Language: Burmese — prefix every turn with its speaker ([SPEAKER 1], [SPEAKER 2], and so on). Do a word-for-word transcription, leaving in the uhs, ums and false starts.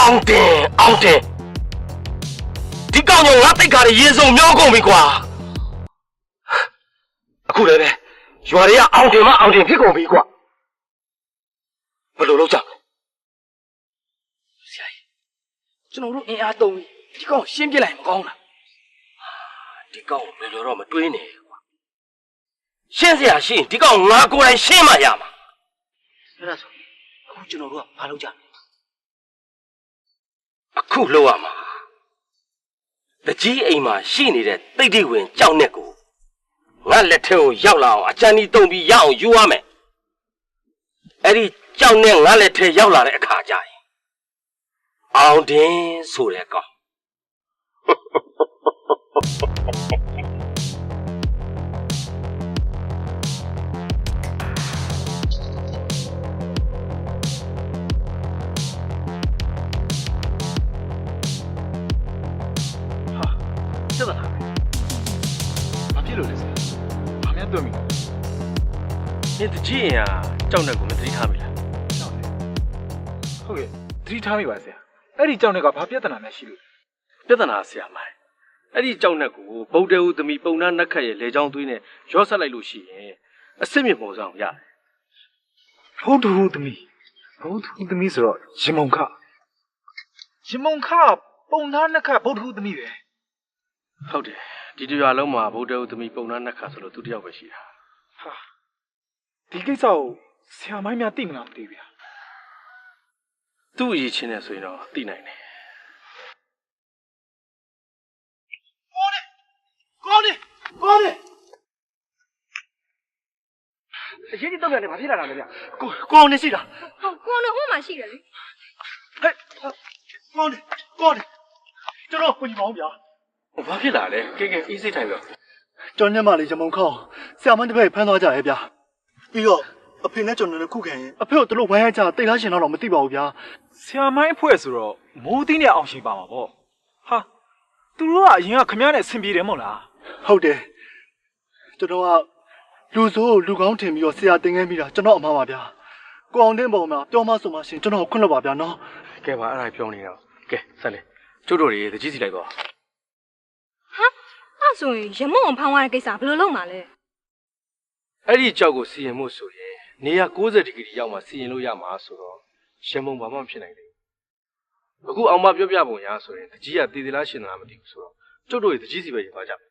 [SPEAKER 1] အောင်တင်အောင်တင်ဒီကောင်ကြောင့်ငါတိတ်ခါရရေစုံမြောကုန်ပြီကွာအခုလည်းပဲရွာတွေကအောင်တင်မအောင်တင်ဖြစ်ကုန်ပြီကွာဘယ်လိုလုပ်ကြလဲဆရာကြီးကျွန်တော်တို့အင်အားသုံးပြီးဒီကောင်ရှင်းပြလိုက်မကောင်းလားဒီကောင်ဘယ်လိုတော့မတွေးနဲ့ကွာရှင်းစရာရှိရင်ဒီကောင်ငါကိုယ်တိုင်ရှင်းမှရမှာအဲ့ဒါဆိုအခုကျွန်တော်တို့ကဘာလုပ်ကြလဲအခုလုပ်ရမှာတကြီးအိမ်မှာရှိနေတဲ့တိတ်တိတ်ဝင်ကြောက်နဲ့ကိုငါလက်ထဲကိုရောက်လာအောင်အချမ်းကြီးတုံပြီးရအောင်ယူရမယ်အဲ့ဒီကြောက်နဲ့ငါလက်ထဲရောက်လာတဲ့အခါကျရင်အောင်တင်ဆိုတဲ့ကောင်真的哪？哪屁路的噻？哪面对面？你的姐呀，找那个没得他们了。
[SPEAKER 2] 找那？好嘅，得他们话噻。အဲ့ဒီကြောင့်လည်းကဘာပြဿနာများရှိလို့
[SPEAKER 1] ပြဿနာဆရာမိုင်းအဲ့ဒီကြောင့်နဲ့ကိုဗုဒ္ဓဦးသမီးပုံနာနက်ခတ်ရဲ့လေချောင်းသွေးနဲ့ရောဆက်လိုက်လို့ရှိရင်အစစ်မြစ်ပေါ်ဆောင်ရတယ်
[SPEAKER 2] ဘုဒ္ဓဟူသမီးဘုဒ္ဓဟူသမီးဆိုတော့ရင်မုံခရင်မုံခပုံသားနှစ်ခတ်ဘုဒ္ဓဟူသမီးပဲ
[SPEAKER 1] ဟုတ်တယ်ဒီတရွာလုံးမှာဗုဒ္ဓဦးသမီးပုံနာနက်ခတ်ဆိုလို့သူတယောက်ပဲရှိတာ
[SPEAKER 2] ဟာဒီကိစ္စကိုဆရာမိုင်းများသိမလားမသိဘူးဗျာ
[SPEAKER 1] သူ့အရေးချင်းနဲ့ဆိုရင်တော့သိနိုင်တယ်ကောင်းတယ်ကောင်းတယ်အရေးကြီးတော့လည်းမဖြစ်လာတာလေဗျကိုကိုအောင်နေရှိတာ
[SPEAKER 3] ဟုတ်ကိုနော်ဟိုမှာရှိတယ်လေ
[SPEAKER 1] ဟဲ့ကောင်းတယ်ကောင်းတယ်ကျွန်တော်ကိုညီမအောင်ဗျာဘာဖြစ်လာလဲကဲကဲအေးစိတ်ထိုင်ပြော
[SPEAKER 4] ကျွန်တော်ညမလေးရမုံခေါင်းဆရာမတစ်ဖက်ဖမ်းသွားကြရဲ့ဗျာပြီးတော့အဖေနဲ့ကျွန်တော်လည်းခုခံရင်အဖေကိုတို့ဝိုင်းရကြတိတ်လားရှင်တော့မသိပါဘူးဗျာ
[SPEAKER 2] ဆရာမိုင်းအဖွဲ့ဆိုတော့မိုးသီးနဲ့အောင်ရှိပါမှာပေါ့ဟာသူတို့ကအရင်ကခမည်းနဲ့ဆင်ပြေတယ်မဟုတ်လား
[SPEAKER 4] ဟုတ်တယ်ကျွန်တော်ကလူဆိုးလူကောင်းထင်ပြီးတော့ဆရာတင်ခဲ့မိတာကျွန်တော်အမှားပါဗျာကိုအောင်တင်းပေါ်မှာပြောမဆိုမှရှင်ကျွန်တော်ခွင့်လွှတ်ပါဗျာနော်
[SPEAKER 1] ကဲပါအဲ့ဒါပြောနေတော့ကဲဆက်လေကျုပ်တို့တွေတကြီးစီလိုက်ပါ
[SPEAKER 3] ဟာအဲ့ဆိုရင်ရမုံအောင်ဖောင်းသွားတဲ့ကိစ္စဘယ်လိုလုပ်မှာလဲ
[SPEAKER 1] အဲ့ဒီကြောက်ကိုစီရင်မှုဆိုရင်နေရ၉၀ဒီဂရီရောက်မှစီရင်လို့ရမှာဆိုတော့ရှင်မုံဘာမှမဖြစ်နိုင်ဘူးအခုအောင်မပြောပြပုံရဆိုရင်တကြီးကတည်တည်လားရှင်လားမသိဘူးဆိုတော့ကျုပ်တို့တွေတကြီးစီပဲရင်သွားကြမယ်